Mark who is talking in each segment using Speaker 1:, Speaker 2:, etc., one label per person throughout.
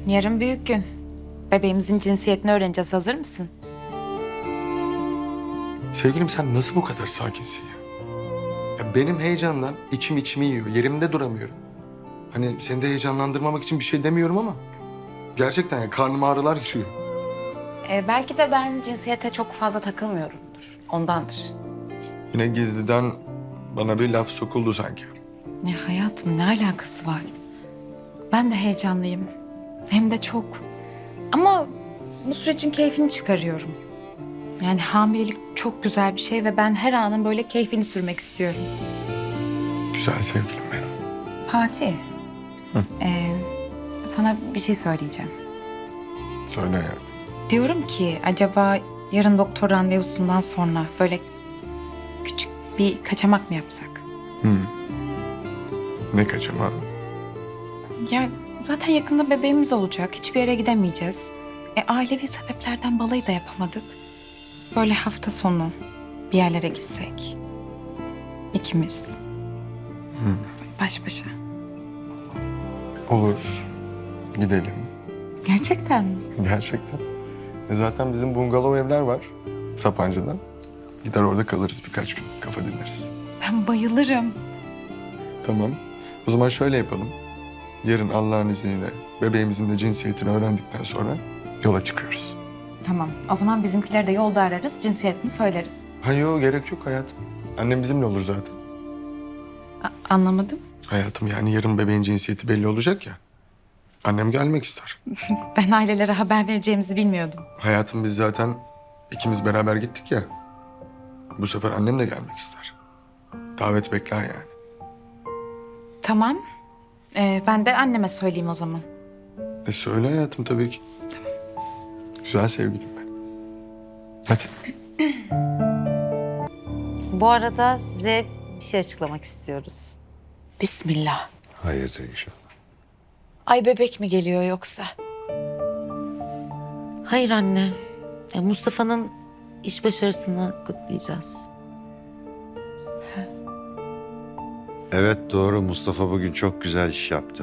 Speaker 1: Yarın büyük gün. Bebeğimizin cinsiyetini öğreneceğiz. Hazır mısın?
Speaker 2: Sevgilim sen nasıl bu kadar sakinsin ya? Ya benim heyecandan içimi yiyor. Yerimde duramıyorum. Hani seni de heyecanlandırmamak için bir şey demiyorum ama... Gerçekten ya karnıma ağrılar giriyor.
Speaker 1: Belki de ben cinsiyete çok fazla takılmıyorumdur. Ondandır.
Speaker 2: Yine gizliden bana bir laf sokuldu sanki.
Speaker 1: Ya hayatım ne alakası var? Ben de heyecanlıyım. Hem de çok. Ama bu sürecin keyfini çıkarıyorum. Yani hamilelik çok güzel bir şey ve ben her anın böyle keyfini sürmek istiyorum.
Speaker 2: Güzel sevgilim benim.
Speaker 1: Fatih. Sana bir şey söyleyeceğim.
Speaker 2: Söyle hayatım.
Speaker 1: Diyorum ki acaba yarın doktor randevusundan sonra böyle küçük bir kaçamak mı yapsak?
Speaker 2: Ne kaçama?
Speaker 1: Ya zaten yakında bebeğimiz olacak. Hiçbir yere gidemeyeceğiz. Ailevi sebeplerden balayı da yapamadık. Böyle hafta sonu bir yerlere gitsek. İkimiz. Baş başa.
Speaker 2: Olur. Gidelim.
Speaker 1: Gerçekten mi?
Speaker 2: Gerçekten. Zaten bizim bungalov evler var Sapanca'da. Gider orada kalırız birkaç gün. Kafa dinleriz.
Speaker 1: Ben bayılırım.
Speaker 2: Tamam. O zaman şöyle yapalım. Yarın Allah'ın izniyle bebeğimizin de cinsiyetini öğrendikten sonra yola çıkıyoruz.
Speaker 1: Tamam. O zaman bizimkileri de yolda ararız. Cinsiyetini söyleriz.
Speaker 2: Yok gerek yok hayatım. Annem bizimle olur zaten.
Speaker 1: Anlamadım.
Speaker 2: Hayatım yani yarın bebeğin cinsiyeti belli olacak ya. Annem gelmek ister.
Speaker 1: Ben ailelere haber vereceğimizi bilmiyordum.
Speaker 2: Hayatım biz zaten ikimiz beraber gittik ya. Bu sefer annem de gelmek ister. Davet bekler yani.
Speaker 1: Tamam. Ben de anneme söyleyeyim o zaman.
Speaker 2: Söyle hayatım tabii ki. Güzel sevgilim ben. Hadi.
Speaker 3: Bu arada size bir şey açıklamak istiyoruz.
Speaker 1: Bismillah.
Speaker 4: Hayırdır inşallah.
Speaker 1: Ay bebek mi geliyor yoksa?
Speaker 3: Hayır anne. Mustafa'nın iş başarısını kutlayacağız.
Speaker 4: Evet doğru, Mustafa bugün çok güzel iş yaptı.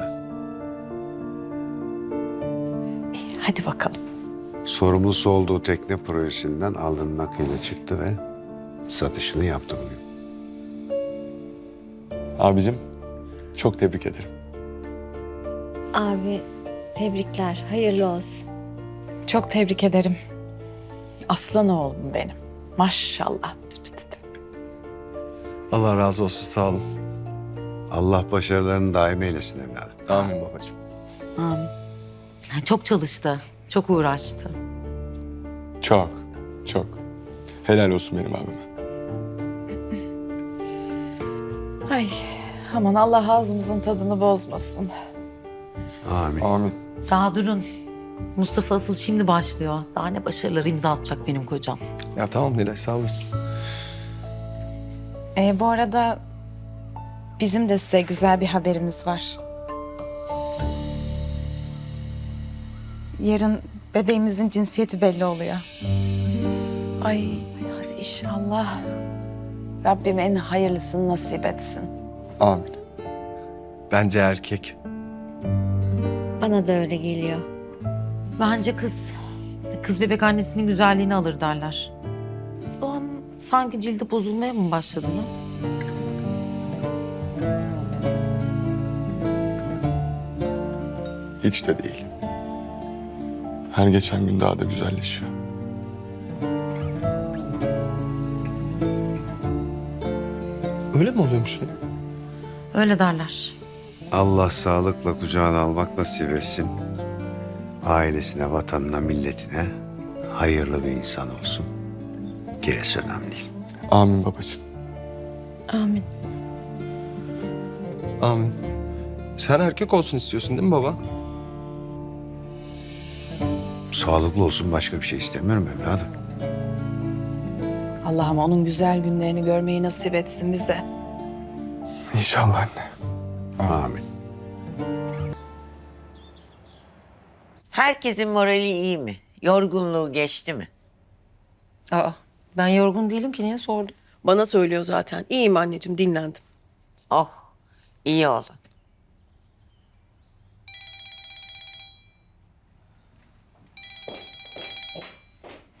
Speaker 1: Hadi bakalım.
Speaker 4: Sorumlusu olduğu tekne projesinden alnının akıyla çıktı ve satışını yaptı bugün.
Speaker 2: Abicim çok tebrik ederim.
Speaker 5: Abi tebrikler, hayırlı olsun.
Speaker 1: Çok tebrik ederim. Aslan oğlum benim. Maşallah.
Speaker 2: Allah razı olsun sağ olun.
Speaker 4: Allah başarılarını daim eylesin evladım.
Speaker 2: Amin babacığım.
Speaker 3: Amin. Çok çalıştı, çok uğraştı.
Speaker 2: Çok. Helal olsun benim abime.
Speaker 1: Ay aman Allah ağzımızın tadını bozmasın.
Speaker 4: Amin.
Speaker 2: Amin.
Speaker 3: Daha durun. Mustafa asıl şimdi başlıyor. Daha ne başarıları imza atacak benim kocam.
Speaker 2: Ya tamam Nilay sağ olasın.
Speaker 1: Bu arada bizim de size güzel bir haberimiz var. Yarın bebeğimizin cinsiyeti belli oluyor. Ay hadi inşallah. Rabbim en hayırlısını nasip etsin.
Speaker 2: Amin. Bence erkek.
Speaker 5: Bana da öyle geliyor.
Speaker 3: Bence kız. Kız bebek annesinin güzelliğini alır derler. Doğan sanki cildi bozulmaya mı başladı mı?
Speaker 2: Hiç de değil. Her geçen gün daha da güzelleşiyor. Öyle mi oluyormuş ya?
Speaker 3: Öyle derler.
Speaker 4: Allah sağlıkla kucağına almak nasip etsin. Ailesine, vatanına, milletine hayırlı bir insan olsun. Gerisi önemli değil.
Speaker 2: Amin babacığım.
Speaker 5: Amin.
Speaker 2: Amin. Sen erkek olsun istiyorsun değil mi baba?
Speaker 4: Sağlıklı olsun, başka bir şey istemiyorum evladım.
Speaker 6: Allah'ım onun güzel günlerini görmeyi nasip etsin bize.
Speaker 2: İnşallah anne.
Speaker 4: Amin.
Speaker 7: Herkesin morali iyi mi? Yorgunluğu geçti mi?
Speaker 3: Ben yorgun değilim ki niye sordun?
Speaker 6: Bana söylüyor zaten. İyiyim anneciğim, dinlendim.
Speaker 7: Oh, iyi olun.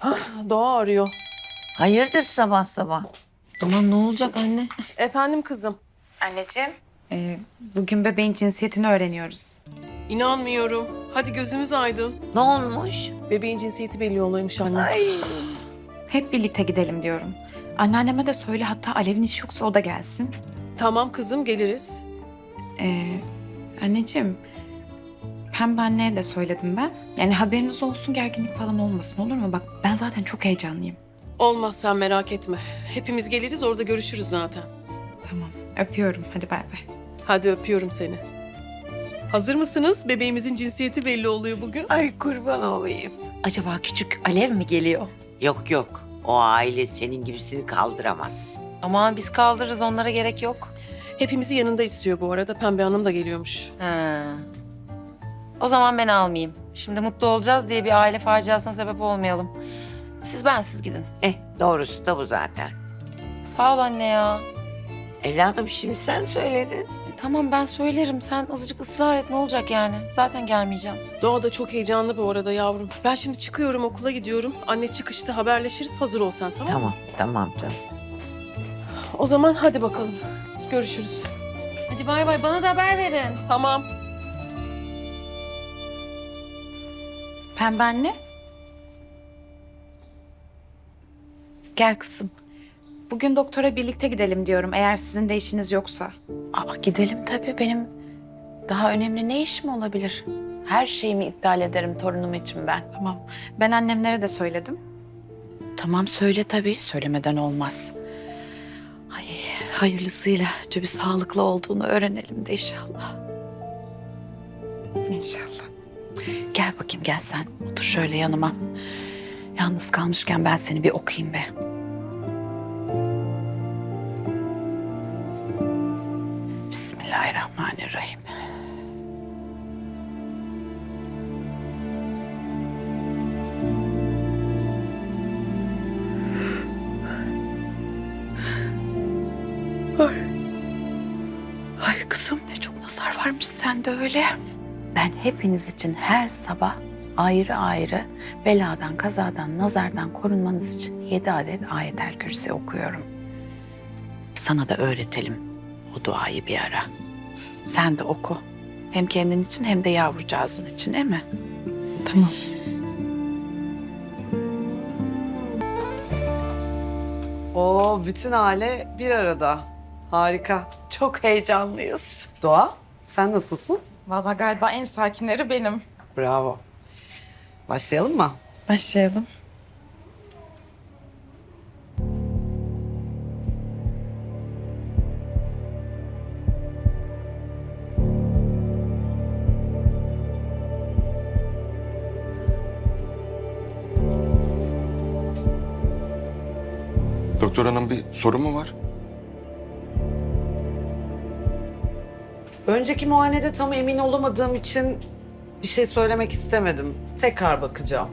Speaker 6: Doğa arıyor.
Speaker 7: Hayırdır sabah sabah?
Speaker 8: Aman ne olacak anne?
Speaker 6: Efendim kızım.
Speaker 1: Anneciğim. Bugün bebeğin cinsiyetini öğreniyoruz.
Speaker 6: İnanmıyorum. Hadi gözümüz aydın.
Speaker 7: Ne olmuş?
Speaker 6: Bebeğin cinsiyeti belli oluyormuş anne.
Speaker 1: Hep birlikte gidelim diyorum. Anneanneme de söyle, hatta Alev'in işi yoksa o da gelsin.
Speaker 6: Tamam kızım, geliriz.
Speaker 1: Anneciğim, Pembe anneye de söyledim ben. Yani haberiniz olsun, gerginlik falan olmasın, olur mu? Bak ben zaten çok heyecanlıyım.
Speaker 6: Olmaz, sen merak etme. Hepimiz geliriz, orada görüşürüz zaten.
Speaker 1: Tamam, öpüyorum. Hadi bay bay.
Speaker 6: Hadi öpüyorum seni. Hazır mısınız? Bebeğimizin cinsiyeti belli oluyor bugün.
Speaker 7: Ay kurban olayım.
Speaker 8: Acaba küçük Alev mi geliyor?
Speaker 7: Yok yok. O aile senin gibisini kaldıramaz.
Speaker 8: Aman biz kaldırırız, onlara gerek yok.
Speaker 6: Hepimizi yanında istiyor bu arada. Pembe Hanım da geliyormuş.
Speaker 8: Ha. O zaman ben almayayım. Şimdi mutlu olacağız diye bir aile faciasına sebep olmayalım. Siz bensiz gidin.
Speaker 7: Doğrusu da bu zaten.
Speaker 8: Sağ ol anne ya.
Speaker 7: Evladım şimdi sen söyledin.
Speaker 8: Tamam ben söylerim. Sen azıcık ısrar et, ne olacak yani? Zaten gelmeyeceğim.
Speaker 6: Doğa da çok heyecanlı bu arada yavrum. Ben şimdi çıkıyorum, okula gidiyorum. Anne çıkışta haberleşiriz. Hazır ol sen, tamam mı?
Speaker 7: Tamam canım.
Speaker 6: O zaman hadi bakalım. Görüşürüz.
Speaker 8: Hadi bay bay, bana da haber verin.
Speaker 6: Tamam.
Speaker 1: Pembe anne. Gel kızım. Bugün doktora birlikte gidelim diyorum, eğer sizin de işiniz yoksa.
Speaker 9: Aa, gidelim tabii. Benim daha önemli ne işim olabilir? Her şeyimi iptal ederim torunum için ben.
Speaker 1: Tamam. Ben annemlere de söyledim.
Speaker 9: Tamam söyle tabii. Söylemeden olmaz. Ay, hayırlısıyla bir sağlıklı olduğunu öğrenelim de inşallah.
Speaker 1: İnşallah.
Speaker 9: Gel bakayım, gel sen. Otur şöyle yanıma. Yalnız kalmışken ben seni bir okuyayım be. Bismillahirrahmanirrahim. Ay kızım, ne çok nazar varmış sende öyle. Ben hepiniz için her sabah ayrı ayrı beladan, kazadan, nazardan korunmanız için 7 adet ayetel kürsi okuyorum. Sana da öğretelim o duayı bir ara. Sen de oku. Hem kendin için hem de yavrucağızın için, değil mi?
Speaker 1: Tamam.
Speaker 10: Oo, bütün aile bir arada. Harika.
Speaker 9: Çok heyecanlıyız.
Speaker 10: Doğa, sen nasılsın?
Speaker 1: Vallahi galiba en sakinleri benim.
Speaker 10: Bravo. Başlayalım mı?
Speaker 1: Başlayalım.
Speaker 2: Doktor hanım, bir sorun mu var?
Speaker 10: Önceki muayenede tam emin olamadığım için bir şey söylemek istemedim. Tekrar bakacağım.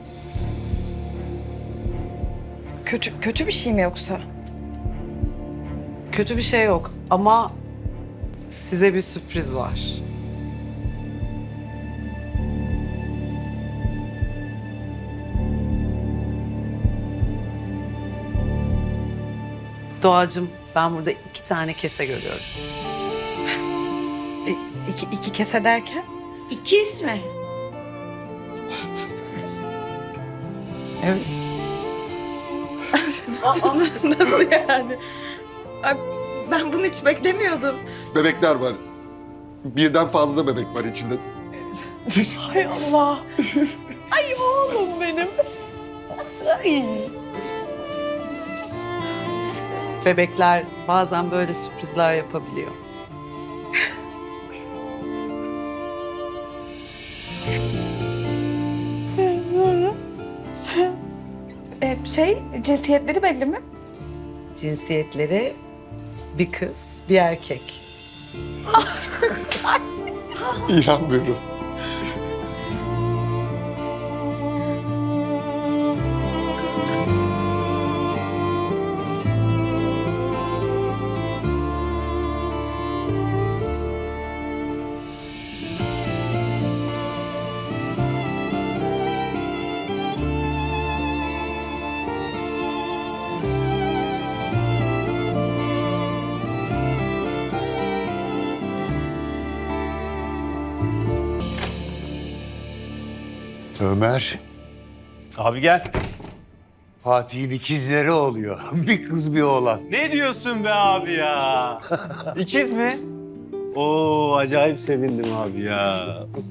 Speaker 1: Kötü bir şey mi yoksa?
Speaker 10: Kötü bir şey yok ama size bir sürpriz var. Doğacığım, ben burada 2 tane kese görüyorum.
Speaker 1: İki kese derken?
Speaker 7: İkiz mi?
Speaker 1: Nasıl yani? Ay, ben bunu hiç beklemiyordum.
Speaker 2: Bebekler var. Birden fazla bebek var içinde.
Speaker 10: Hay Allah. Ay oğlum benim. Ay. Bebekler bazen böyle sürprizler yapabiliyor.
Speaker 1: Cinsiyetleri belli mi?
Speaker 10: Cinsiyetleri bir kız, bir erkek.
Speaker 2: İnanmıyorum.
Speaker 4: Ömer,
Speaker 11: Abi gel.
Speaker 4: Fatih'in ikizleri oluyor. Bir kız bir oğlan.
Speaker 11: Ne diyorsun be abi ya? İkiz mi? Oo, acayip sevindim abi ya.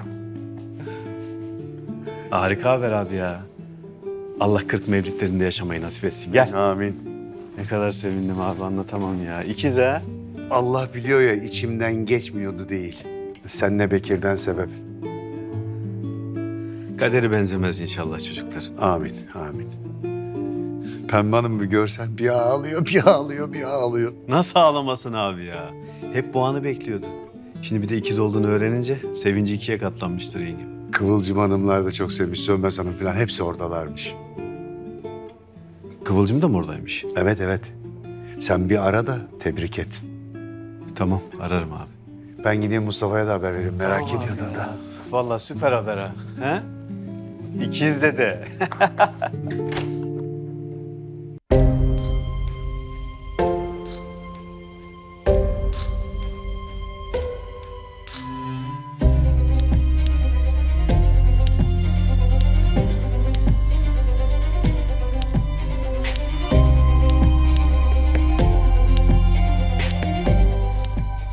Speaker 11: Harika haber abi ya. Allah 40 mevlidlerinde yaşamayı nasip etsin. Gel.
Speaker 4: Amin.
Speaker 11: Ne kadar sevindim abi, anlatamam ya. İkiz ha?
Speaker 4: Allah biliyor ya içimden geçmiyordu değil. Sen ne Bekir'den sebep.
Speaker 11: Kaderi benzemez inşallah çocuklar.
Speaker 4: Amin, amin. Pembe Hanım bir görsen bir ağlıyor, bir ağlıyor, bir ağlıyor.
Speaker 11: Nasıl ağlamasın abi ya? Hep bu anı bekliyordu. Şimdi bir de ikiz olduğunu öğrenince sevinci ikiye katlanmıştır yengem.
Speaker 4: Kıvılcım Hanımlar da çok sevmiş, Sönmez Hanım falan hepsi oradalarmış.
Speaker 11: Kıvılcım da mı oradaymış?
Speaker 4: Evet, evet. Sen bir ara da tebrik et.
Speaker 11: Tamam, ararım abi.
Speaker 4: Ben gideyim Mustafa'ya da haber vereyim, merak ediyordu da.
Speaker 11: Vallahi süper haber ha. He? İkiz de.